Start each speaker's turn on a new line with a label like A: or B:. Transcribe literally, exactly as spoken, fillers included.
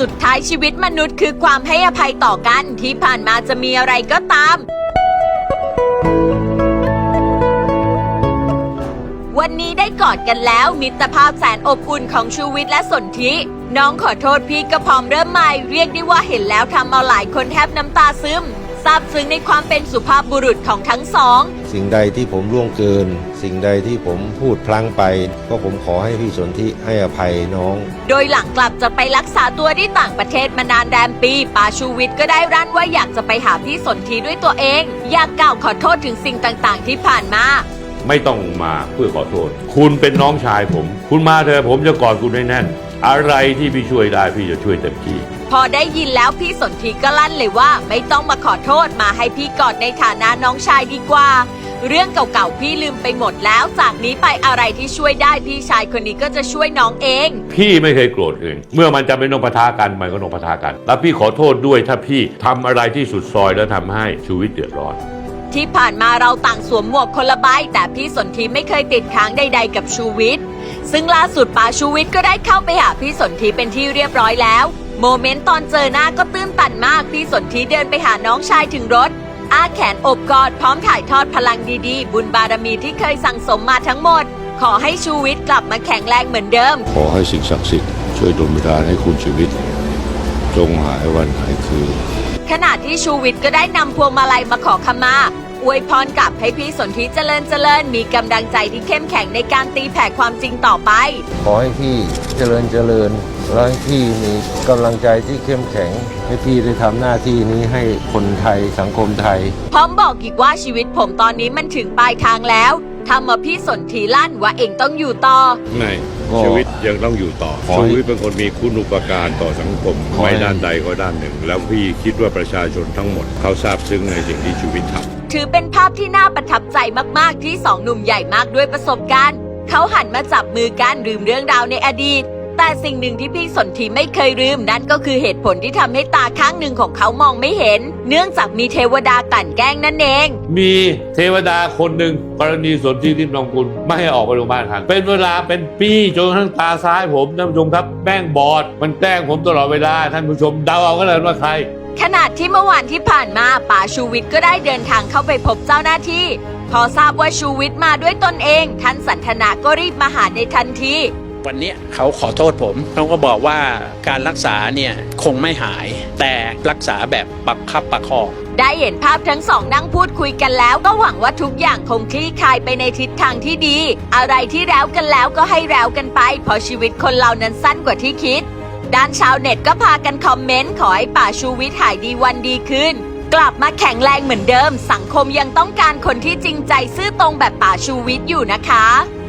A: สุดท้ายชีวิตมนุษย์คือความให้อภัยต่อกันที่ผ่านมาจะมีอะไรก็ตามวันนี้ได้กอดกันแล้วมิตรภาพแสนอบอุ่นของชูวิทย์และสนธิน้องขอโทษพี่ก็พร้อมเริ่มใหม่เรียกได้ว่าเห็นแล้วทำเอาหลายคนแทบน้ำตาซึมซาบซึ้งในความเป็นสุภาพบุรุษของทั้งสอง
B: สิ่งใดที่ผมล่วงเกินสิ่งใดที่ผมพูดพลั้งไปก็ผมขอให้พี่สนธิให้อภัยน้อง
A: โดยหลังกลับจะไปรักษาตัวที่ต่างประเทศมานานแรมปีป๋าชูวิทย์ก็ได้รั้นว่าอยากจะไปหาพี่สนธิด้วยตัวเองอยากกล่าวขอโทษถึงสิ่งต่างๆที่ผ่านมา
C: ไม่ต้องมาเพื่อขอโทษคุณเป็นน้องชายผมคุณมาเถอะผมจะกอดคุณให้แน่นอะไรที่พี่ช่วยได้พี่จะช่วยเต็มที่
A: พอได้ยินแล้วพี่สนธิก็ลั่นเลยว่าไม่ต้องมาขอโทษมาให้พี่กอดในฐานะน้องชายดีกว่าเรื่องเก่าๆพี่ลืมไปหมดแล้วจากนี้ไปอะไรที่ช่วยได้พี่ชายคนนี้ก็จะช่วยน้องเอง
C: พี่ไม่เคยโกรธอื่นเมื่อมันจะเป็นนงปะทะกันมันก็นงปะทะกันแล้วพี่ขอโทษด้วยถ้าพี่ทำอะไรที่สุดซอยแล้วทำให้ชีวิตเดือดร้อน
A: ที่ผ่านมาเราต่างสวมหมวกคนละใบแต่พี่สนธิไม่เคยติดค้างใดๆกับชูวิทย์ซึ่งล่าสุดป๋าชูวิทย์ก็ได้เข้าไปหาพี่สนธิเป็นที่เรียบร้อยแล้วโมเมนต์ตอนเจอหน้าก็ตื้นตันมากพี่สนธิเดินไปหาน้องชายถึงรถอ้าแขนอบกอดพร้อมถ่ายทอดพลังดีๆบุญบารมีที่เคยสั่งสมมาทั้งหมดขอให้ชูวิทย์กลับมาแข็งแรงเหมือนเดิม
B: ขอให้สิ่งศักดิ์สิทธิ์ช่วยดลบันดาลให้คุณชีวิตจงหายวันหายคืน
A: ขณะที่ชูวิทย์ก็ได้นำพวงมาลัยมาขอขมาอวยพรกลับให้พี่สนธิเจริญเจริญมีกำลังใจที่เข้มแข็งในการตีแผ่ความจริงต่อไป
B: ขอให้พี่เจริญเจริญและให้พี่มีกำลังใจที่เข้มแข็งให้พี่ได้ทำหน้าที่นี้ให้คนไทยสังคมไทย
A: พร้อมบอกอีกว่าชีวิตผมตอนนี้มันถึงปลายทางแล้วทำมาพี่สนธิลั่นว่าเองต้องอยู่ต่อ
C: ไม่ชีวิตยังต้องอยู่ต่อชีวิตเป็นคนมีคุณูปการต่อสังคมไม่ด้านใดก็ด้านหนึ่งแล้วพี่คิดว่าประชาชนทั้งหมดเขาซาบซึ้งในสิ่งที่ชีวิตทำ
A: ถือเป็นภาพที่น่าประทับใจมากๆที่สองหนุ่มใหญ่มากด้วยประสบการณ์เขาหันมาจับมือกันลืมเรื่องราวในอดีตแต่สิ่งหนึ่งที่พี่สนธิไม่เคยลืมนั่นก็คือเหตุผลที่ทำให้ตาข้างหนึ่งของเขามองไม่เห็นเนื่องจากมีเทวดากลั่นแกล้งนั่นเอง
C: มีเทวดาคนหนึ่งกรณีสนธิทิพย์นองกุลไม่ให้ออกไปโรงพยาบาลครับเป็นเวลาเป็นปีจนทั้งตาซ้ายผมท่านผู้ชมครับแป้งบอดมันแกล้งผมตลอดเวลาท่านผู้ชมเดาเอาก็เลยว่าใคร
A: ขณะที่เมื่อวานที่ผ่านมาป๋าชูวิทย์ก็ได้เดินทางเข้าไปพบเจ้าหน้าที่พอทราบว่าชูวิทย์มาด้วยตนเองท่านสันทนาก็รีบมาหาในทันที
D: วันนี้เขาขอโทษผมเขาก็บอกว่าการรักษาเนี่ยคงไม่หายแต่รักษาแบบประคับประคอง
A: ได้เห็นภาพทั้งสองนั่งพูดคุยกันแล้วก็หวังว่าทุกอย่างคงคลี่คลายไปในทิศทางที่ดีอะไรที่แล้วกันแล้วก็ให้แล้วกันไปเพราะชีวิตคนเรานั้นสั้นกว่าที่คิดด้านชาวเน็ตก็พากันคอมเมนต์ขอให้ป๋าชูวิทย์หายดีวันดีขึ้นกลับมาแข็งแรงเหมือนเดิมสังคมยังต้องการคนที่จริงใจซื่อตรงแบบป๋าชูวิทย์อยู่นะคะ